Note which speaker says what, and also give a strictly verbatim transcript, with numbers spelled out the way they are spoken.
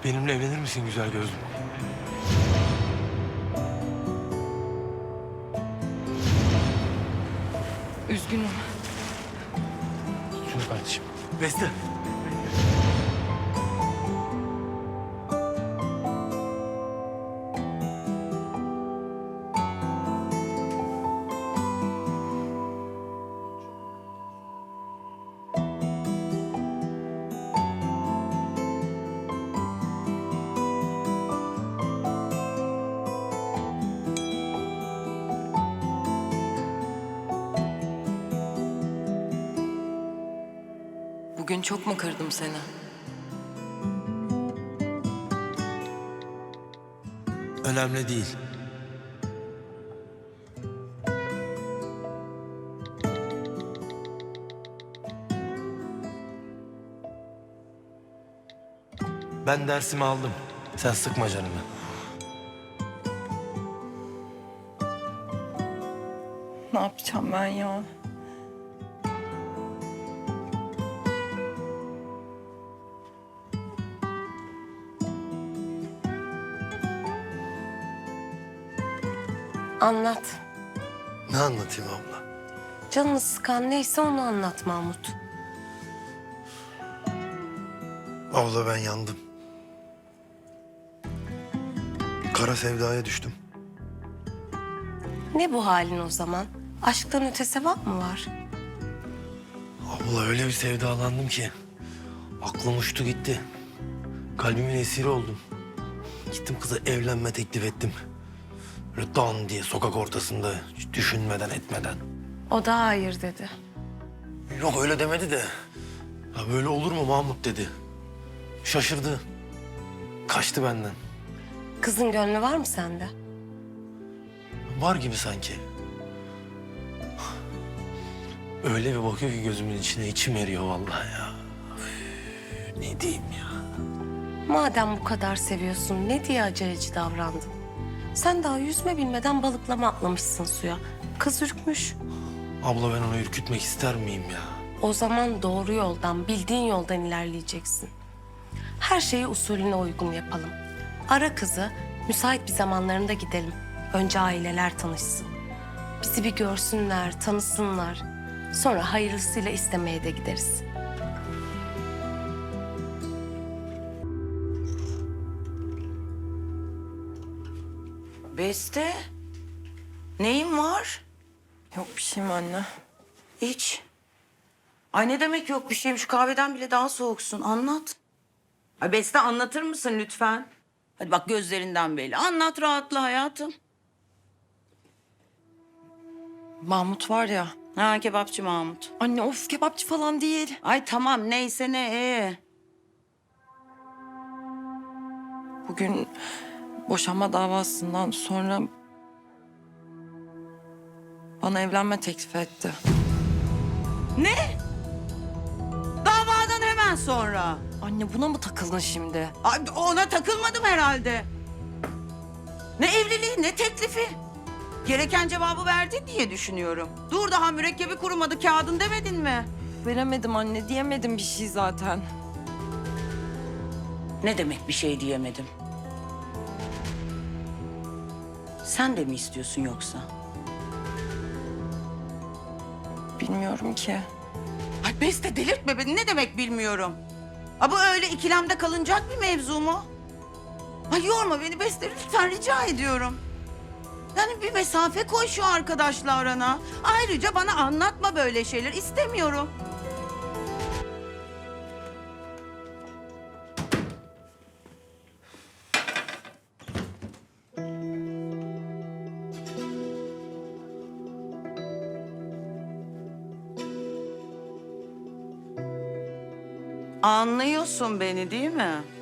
Speaker 1: Benimle evlenir misin güzel gözlüm?
Speaker 2: Üzgünüm.
Speaker 1: Şunu kardeşim. Beste.
Speaker 2: Bugün çok mu kırdım seni?
Speaker 1: Önemli değil. Ben dersimi aldım. Sen sıkma canını.
Speaker 2: Ne yapacağım ben ya?
Speaker 3: Anlat.
Speaker 1: Ne anlatayım abla?
Speaker 3: Canını sıkan neyse onu anlat Mahmut.
Speaker 4: Abla ben yandım. Kara sevdaya düştüm.
Speaker 3: Ne bu halin o zaman? Aşktan öte sevap mı var?
Speaker 1: Abla öyle bir sevdalandım ki aklım uçtu gitti. Kalbimin esiri oldum. Gittim kıza evlenme teklif ettim. Böyle dan diye sokak ortasında hiç düşünmeden etmeden.
Speaker 3: O da hayır dedi.
Speaker 1: Yok öyle demedi de. Ya böyle olur mu Mahmut dedi. Şaşırdı. Kaçtı benden.
Speaker 3: Kızın gönlü var mı sende?
Speaker 1: Var gibi sanki. Öyle bir bakıyor ki gözümün içine içim eriyor vallahi ya. Üf, ne diyeyim ya.
Speaker 3: Madem bu kadar seviyorsun ne diye aceleci davrandın? Sen daha yüzme bilmeden balıklama atlamışsın suya. Kız ürkmüş.
Speaker 1: Abla ben onu ürkütmek ister miyim ya?
Speaker 3: O zaman doğru yoldan, bildiğin yoldan ilerleyeceksin. Her şeyi usulüne uygun yapalım. Ara kızı, müsait bir zamanlarında gidelim. Önce aileler tanışsın. Bizi bir görsünler, tanısınlar. Sonra hayırlısıyla istemeye de gideriz.
Speaker 5: Beste, neyin var?
Speaker 2: Yok bir şeyim anne.
Speaker 5: Hiç. Ay ne demek yok bir şeyim? Şu kahveden bile daha soğuksun. Anlat. Ay Beste anlatır mısın lütfen? Hadi bak gözlerinden belli. Anlat rahatla hayatım.
Speaker 2: Mahmut var ya.
Speaker 5: Ha kebapçı Mahmut.
Speaker 2: Anne of kebapçı falan değil.
Speaker 5: Ay tamam neyse ne ee.
Speaker 2: Bugün boşanma davasından sonra bana evlenme teklif etti.
Speaker 5: Ne? Davadan hemen sonra.
Speaker 2: Anne buna mı takıldın şimdi?
Speaker 5: Ay ona takılmadım herhalde. Ne evliliği ne teklifi. Gereken cevabı verdin diye düşünüyorum. Dur daha mürekkebi kurumadı kağıdın demedin mi?
Speaker 2: Veremedim anne diyemedim bir şey zaten.
Speaker 5: Ne demek bir şey diyemedim? Sen de mi istiyorsun yoksa?
Speaker 2: Bilmiyorum ki.
Speaker 5: Ay Beste delirtme beni. Ne demek bilmiyorum. Ha bu öyle ikilemde kalınacak bir mevzu mu? Ay yorma beni Beste lütfen rica ediyorum. Yani bir mesafe koy şu arkadaşla arana. Ayrıca bana anlatma böyle şeyler. İstemiyorum. Anlıyorsun beni değil mi?